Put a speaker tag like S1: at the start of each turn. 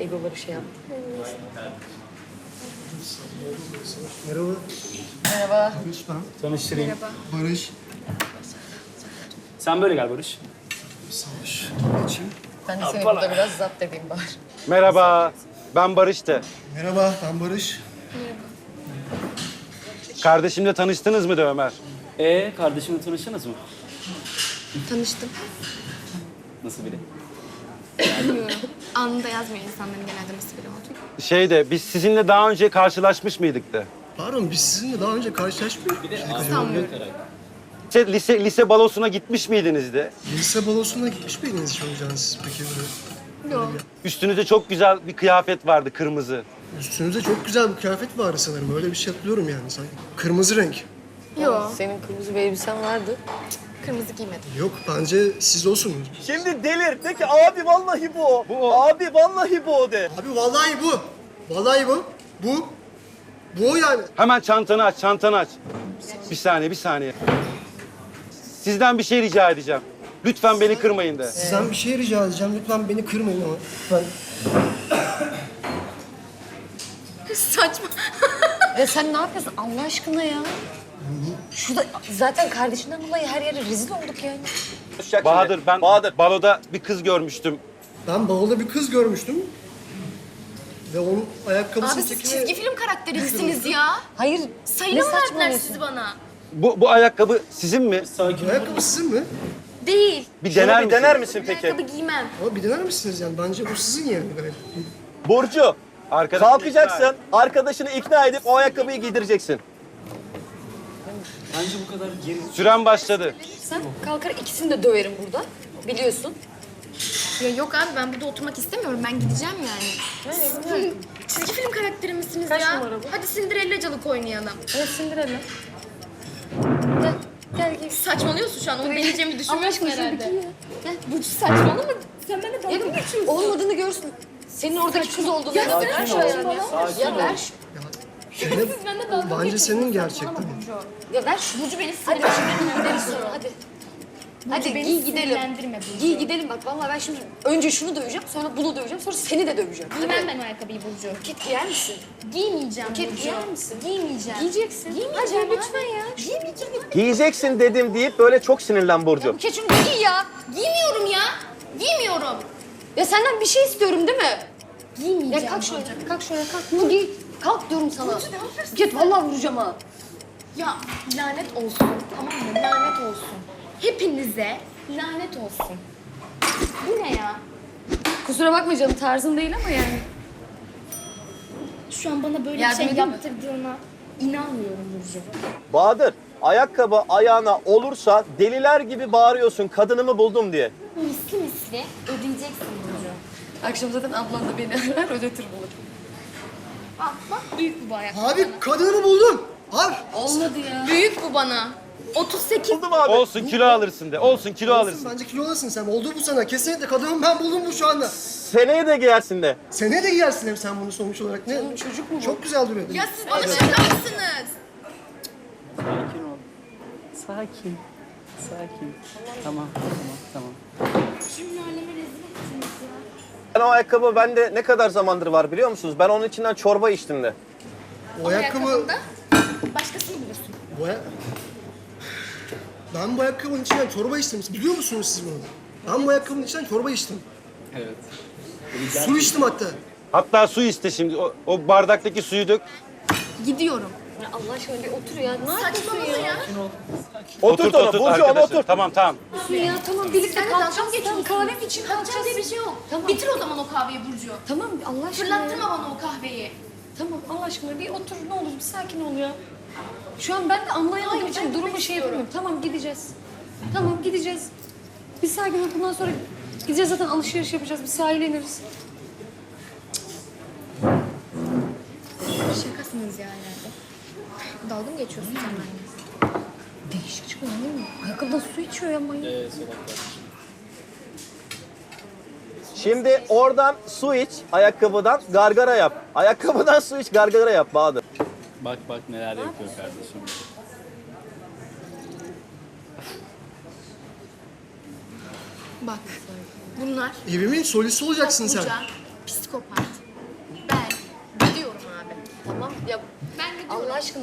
S1: egoları şey yaptı.
S2: Merhaba.
S1: Merhaba.
S2: Barış ben.
S3: Tanıştırayım.
S2: Barış.
S3: Sen böyle gel Barış.
S2: Savaş. Geçeyim.
S1: Ben de seni burada biraz zapt edeyim bari.
S4: Merhaba, ben Barış'tı.
S2: Merhaba, ben Barış.
S4: Kardeşimle tanıştınız mı de Ömer?
S3: Kardeşimle tanıştınız mı?
S5: Tanıştım.
S3: Nasıl biri?
S5: Bilmiyorum. Anında yazmıyor insanların genelde nasıl biri olduğunu.
S4: Biz sizinle daha önce karşılaşmış mıydık da?
S2: Pardon, biz sizinle daha önce karşılaşmıyorduk.
S5: Sanmıyorum.
S4: Lise balosuna gitmiş miydiniz de?
S2: Lise balosuna gitmiş miydiniz hiç hocam siz peki?
S5: Yok.
S4: Üstünüzde çok güzel bir kıyafet vardı, kırmızı.
S2: Üstünüzde çok güzel bir kıyafet vardı sanırım. Öyle bir şey hatırlıyorum yani sanki. Kırmızı renk.
S5: Yok.
S1: Senin kırmızı bir elbisen vardı.
S5: Kırmızı giymedim.
S2: Yok, bence siz olsunuz.
S6: Şimdi delir. De ki abi vallahi bu o. Abi vallahi bu o de.
S2: Abi vallahi bu. Vallahi bu. Bu. Bu o yani.
S4: Hemen çantanı aç, çantanı aç. Bir saniye. Sizden bir şey rica edeceğim. Lütfen beni kırmayın de.
S2: Sizden bir şey rica edeceğim. Lütfen beni kırmayın ama. Lütfen.
S5: Saçma.
S1: Ya sen ne yapıyorsun Allah aşkına ya? Şurada zaten kardeşinden dolayı her yere rezil olduk yani.
S4: Bahadır, ben
S6: Bahadır.
S4: baloda bir kız görmüştüm.
S2: Ben bavulda bir kız görmüştüm. Ve onun
S5: Abi
S2: ayakkabısının
S5: siz
S2: çekimi...
S5: çizgi film karakteri misiniz ya?
S1: Hayır.
S5: Sayılı
S1: ne
S5: mı verdiler
S1: saçmalıyorsun?
S5: sizi bana?
S4: Bu ayakkabı sizin mi?
S2: Bu ayakkabı sizin mi?
S5: Değil.
S4: Bir
S6: Şunu
S4: dener
S6: bir
S4: misin?
S6: dener misin
S5: Bir
S6: peki?
S5: ayakkabı giymem.
S2: Ama bir dener misiniz yani? Bence bu sizin yani. Evet.
S6: Burcu,
S4: Arkadaşım
S6: kalkacaksın. Arkadaşını ikna edip o ayakkabıyı giydireceksin.
S3: Bence bu kadar geri...
S4: Süren başladı.
S1: Sen kalkar ikisini de döverim burada. Biliyorsun.
S5: Ya yok abi ben burada oturmak istemiyorum. Ben gideceğim yani. Siz çizgi film karakteri misiniz
S1: Kaç
S5: ya?
S1: numara bu?
S5: Hadi Cinderella'calık oynayalım.
S1: Evet Cinderella. Gel. Gel gel.
S5: Saçmalıyorsun şu an. Onu deneyeceğimi
S1: Allah
S5: düşünmüyorsun
S1: aşkına şunu bir
S5: herhalde.
S1: giy ya. Gel.
S5: Burcu saçmalama. Sen bana dalga mı geçiyorsun?
S1: Olmadığını görsün. Senin oradaki kız olduğunu.
S5: Ya
S1: ver şu ayağını. Ya ver şu.
S2: Zeynep,
S5: Siz bende dalga mı
S2: bence
S5: geçiyorsunuz?
S2: senin gerçekten.
S1: Ya ver şu.
S5: Burcu beni
S1: Hadi
S5: sinirlendirme.
S1: şimdi gideriz sonra hadi. Hadi
S5: beni
S1: giy gidelim.
S5: sinirlendirme Burcu.
S1: Giy gidelim bak vallahi ben şimdi önce şunu döveceğim sonra bunu döveceğim sonra seni de döveceğim.
S5: Giymem ben o ayakkabıyı Burcu.
S1: Buket giyer misin?
S5: Giymeyeceğim
S1: Buket
S5: Burcu.
S1: giyer misin?
S5: Giymeyeceğim.
S1: Giyeceksin.
S5: Giymeyeceğim
S1: Hadi
S5: abi.
S1: lütfen ya.
S5: Giymeyeceğim.
S6: Giyeceksin dedim deyip böyle çok sinirlen Burcu.
S1: Buket şunu giy ya.
S5: Giymiyorum ya. Giymiyorum.
S1: Ya senden bir şey istiyorum değil mi?
S5: Giymeyeceğim.
S1: Ya kalk şöyle, kalk şöyle, kalk. Bunu giy. Kalk diyorum sana.
S5: Burcu ne yapıyorsun?
S1: Buket vallahi vuracağım ha.
S5: Ya lanet olsun. Tamam mı? Lanet olsun. Hepinize lanet olsun. Bu ne ya?
S1: Kusura bakma canım tarzın değil ama yani.
S5: Şu an bana böyle
S1: Yardım
S5: bir şey
S1: edeyim mi?
S5: yaptırdığına inanmıyorum Burcu.
S6: Bahadır, ayakkabı ayağına olursa deliler gibi bağırıyorsun kadınımı buldum diye.
S5: Misli misli ödeyeceksin Burcu.
S1: Akşam zaten ablan da beni arar ödetir bulur.
S5: Bak büyük bu ayakkabı.
S2: Abi kadını buldum. Abi.
S1: Olmadı ya.
S5: Büyük bu bana. 38.
S6: Buldum abi.
S4: Olsun kilo alırsın de. Olsun kilo alırsın.
S2: Bence kilo alırsın sen. Oldu bu sana. Kesinlikle kadının ben buldum bu şu anda.
S6: Seneye de giyersin de.
S2: Seneye de giyersin hem sen bunu sonuç olarak. Ne?
S1: Oğlum çocuk mu bu?
S2: Çok güzel duruyor.
S5: Ya siz bana şaka mısınız?
S3: Sakin ol. Sakin. Sakin. Tamam.
S5: Şimdi aleme rezil ettiniz ya.
S6: Ben o ayakkabı bende ne kadar zamandır var biliyor musunuz? Ben onun içinden çorba içtim de.
S2: O ayakkabı...
S5: Ayakkabında başkasını bulursun.
S2: Bu Ben bu ayakkabının içinden çorba içtim. Biliyor musunuz siz bunu? Ben bu ayakkabının içinden çorba içtim.
S3: Evet.
S2: Su içtim hatta.
S4: Hatta su iste şimdi. O bardaktaki suyu dök.
S5: Gidiyorum.
S1: Ya Allah aşkına bir otur ya. Ne yapıyorsun
S5: Saçmalama ya.
S6: Oturt onu. Burcu onu
S4: arkadaşlar.
S6: oturt.
S4: Tamam.
S1: ya? Tamam birlikte
S5: Sen de dalga mı
S1: kalkacağız. Tamam
S5: geçiyorsun?
S1: kahve için
S5: Kalkacağız
S1: kalkacağız.
S5: diye bir şey yok.
S1: Tamam.
S5: Bitir o zaman o kahveyi Burcu.
S1: Tamam Allah aşkına. ya.
S5: Fırlattırma bana o kahveyi.
S1: Tamam Allah aşkına bir otur ne olur bir sakin ol ya. Şu an ben de anlayamadığım
S5: Hayır,
S1: için
S5: ben
S1: durumu
S5: gitmek
S1: şey
S5: istiyorum.
S1: yapamıyorum. Tamam gideceğiz. Tamam gideceğiz. Bir sakin ol bundan sonra gideceğiz zaten alışveriş yapacağız. Bir sahile ineriz.
S5: Şakasınız ya herhalde. Dalga mı geçiyorsun sen benimle?
S1: Değişik çıkıyor değil mi? Ayakkabıdan su içiyor ya manyak.
S6: Şimdi oradan su iç, ayakkabıdan gargara yap. Ayakkabıdan su iç, gargara yap Bahadır.
S3: Bak neler yapıyor kardeşim.
S5: Bak bunlar
S2: Evimin solisi olacaksın sen.
S5: topluca psikopat,
S1: Ya
S5: Ben gidiyorum.
S1: Allah aşkına